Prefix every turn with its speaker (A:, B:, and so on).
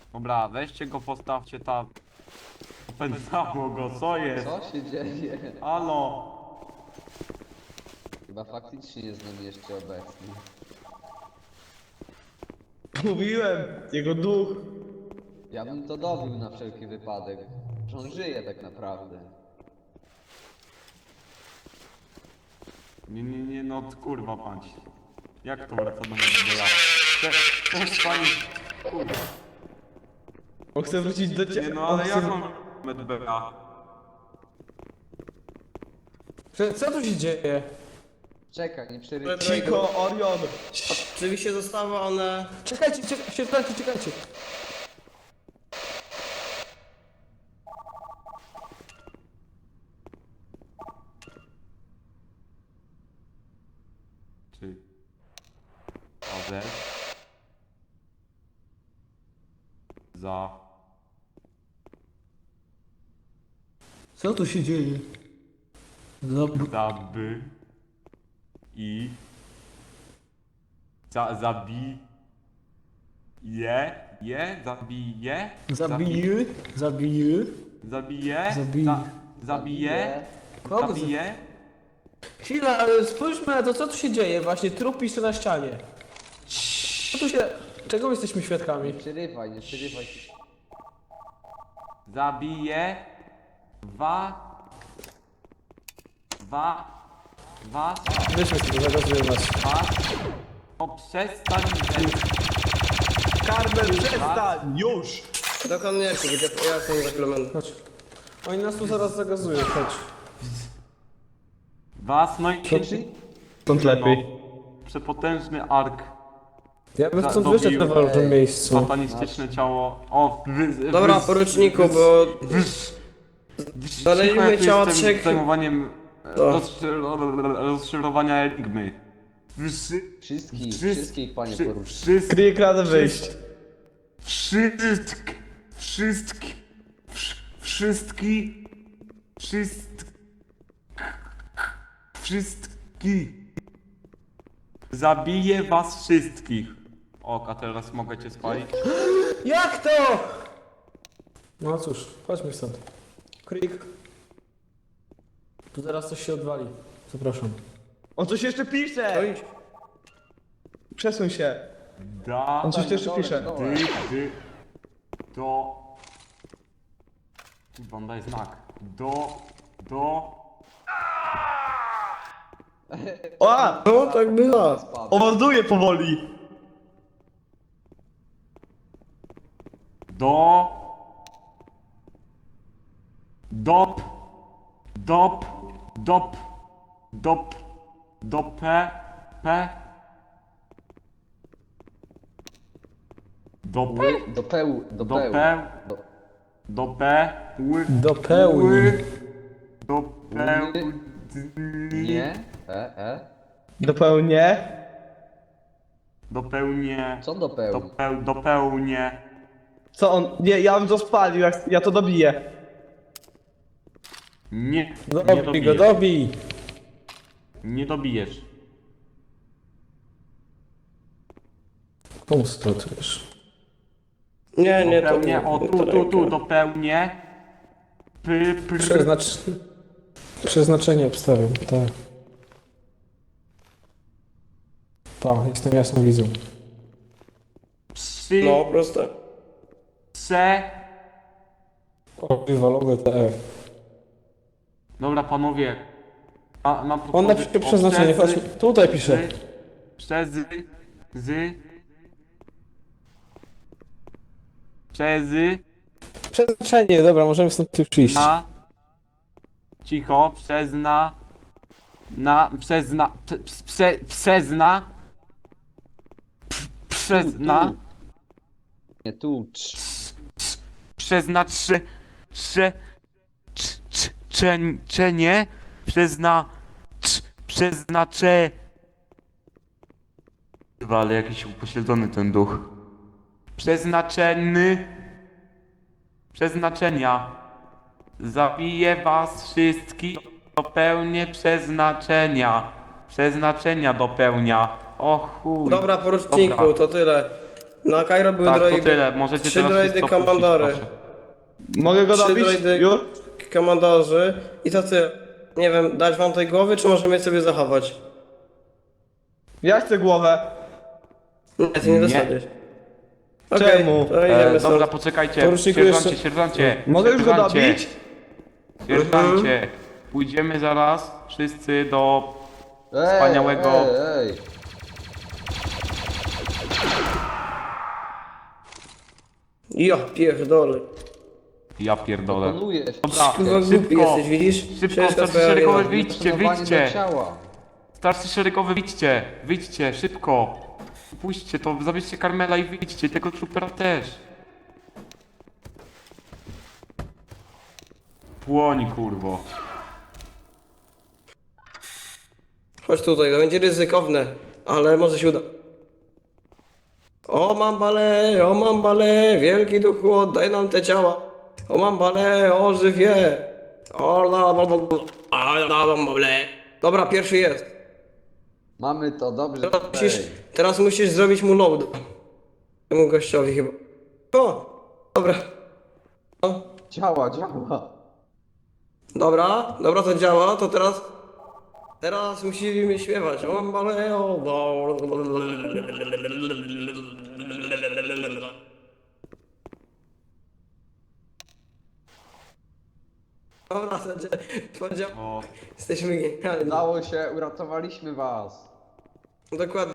A: Dobra, weźcie go, postawcie tam. Opętało go, co jest?
B: Co się dzieje?
A: Halo?
B: Chyba faktycznie jest z nami jeszcze obecny.
C: Mówiłem, jego duch.
B: Ja bym to dobił na wszelki wypadek, że on żyje tak naprawdę.
A: Nie, no kurwa pańcie. Jak to wraca do Medbeja? Chcesz pani... Kurwa.
C: On chce wrócić do
A: Nie
C: ciebie.
A: no, ale jak mam Medbeja?
D: Co tu się dzieje?
B: Czekaj, nie przerywaj.
C: Chico, Orion.
E: Oczywiście zostały one...
D: Czekajcie, czekajcie.
A: Czy... AZ... Za...
D: Co tu się dzieje?
A: Zaby... I... Zabij... Zabije...
D: Zabije.
A: Zabije... Zabije...
D: Kogo
A: Zabije...
D: Chwila, ale spójrzmy na to, co tu się dzieje. Właśnie trup pisze na ścianie. Co tu się... Czego jesteśmy świadkami?
B: Nie przerywaj, nie przerywaj.
A: Zabije... Was...
D: Weźmy sobie, zagazuję was.
A: O, przestań...
C: Carmen, przestań, już.
E: Dokąd nie chcę, ja jestem za kilometrem.
D: Chodź. Oni nas tu zaraz zagazują, chodź.
A: Was, no i...
C: Stąd lepiej.
A: Przepotężny ark.
D: Ja bym stąd
A: Dobił.
D: wyszedł na wolnym miejscu.
A: Satanistyczne ciało. O,
E: Dobra, poruczniku, bo... Znaleźliśmy ciała trzech...
A: zajmowaniem
E: To.
A: rozszerowania enigmy.
B: Wszystkich, panie poruczniku.
C: Kryje radę wyjść.
A: Wszystki. Zabiję was wszystkich. O, a teraz mogę cię spalić?
D: Jak to? No cóż, chodźmy stąd. Krik. Tu zaraz coś się odwali. Zapraszam.
C: On coś jeszcze pisze. Przesuń się.
A: Da...
C: On coś jeszcze pisze.
A: Do... Kurwa, on daje znak. Do...
C: O!
E: No, tak bywa.
C: Owarduje powoli.
A: Dop... Do P... Do P...
B: Dopeł.
A: Do P... Do P...
D: Dopełni.
A: Do P...
B: Nie?
C: Dopełnię.
A: Dopełnię...
B: Co dopeł?
A: Dopełnię...
C: Co on? Nie, ja bym to spalił, ja to dobiję.
A: Nie
D: Dobij go,
A: dobijesz.
D: dobij.
A: Nie dobijesz.
D: Komu stratujesz?
E: Nie, to
A: Dopełnię, o
E: to
A: tu, dopełnię.
D: Przeznaczenie obstawiam, tak. Tak, jestem jasną widzą.
E: No, proste.
D: O, wywalone TF.
A: Dobra panowie. Mam
D: On napisze przeznaczenie, chodź. Tutaj pisze.
A: Przez
D: Przeznaczenie, dobra, możemy stąd już iść.
A: na cicho, przez na
B: Nie tu.
A: przeznaczenie Chyba, ale jakiś upośledzony ten duch. Przeznaczenia. Zabiję was wszystkich. Dopełnię przeznaczenia. Przeznaczenia dopełnia. O chuj.
E: Dobra, poruczniku,
A: Dobra.
E: to tyle. Na Kairo były
A: Tak, to
E: droidy.
A: tyle. Możecie
E: 3
A: teraz
E: droidy
A: wszystko puścić,
E: komandory.
A: proszę.
C: Mogę go
E: 3
C: dobić?
E: droidy
C: Już?
E: komandorzy. I to ty. Nie wiem, dać wam tej głowy, czy możemy je sobie zachować?
C: Ja chcę głowę.
E: Nie, ty nie
A: Nie.
E: dostaniesz.
C: Czemu?
E: To idziemy
A: Dobra,
E: stąd.
A: poczekajcie.
E: Poruczniku
A: Sierżancie,
E: jeszcze-
A: sierżancie.
C: Mogę już go
A: sierżancie,
C: dobić?
A: Sierżancie. Pójdziemy zaraz wszyscy do
B: Ej,
A: wspaniałego...
B: Ej, ej.
E: Ja pierdolę.
A: Ja pierdolę.
B: Pokonujesz.
A: Dobra,
E: Kurwa głupi
A: szybko.
E: jesteś, widzisz?
A: Szybko,
E: Wszystko
A: starszy
E: twoja
A: szeregowy,
E: wina.
A: wyjdźcie,
B: Poszanowanie do
A: wyjdźcie.
B: ciała.
A: Starszy szeregowy, wyjdźcie. Wyjdźcie, szybko. Puśćcie to, zabierzcie Karmela i wyjdźcie. Tego trupera też. Płoń, kurwo.
E: Chodź tutaj, to będzie ryzykowne, ale może się uda. O mambale, wielki duchu, oddaj nam te ciała. O mambale, ożyw je. Dobra, pierwszy jest.
B: Mamy to, dobrze. Ej.
E: Teraz musisz zrobić mu load. Temu gościowi chyba. O, dobra. O,
B: Działa, działa.
E: dobra, to działa, to teraz musimy śpiewać. O mambale, o. Dobra, to działa.
A: O,
E: Jesteśmy genialni.
B: Udało się, uratowaliśmy was.
E: Dokładnie.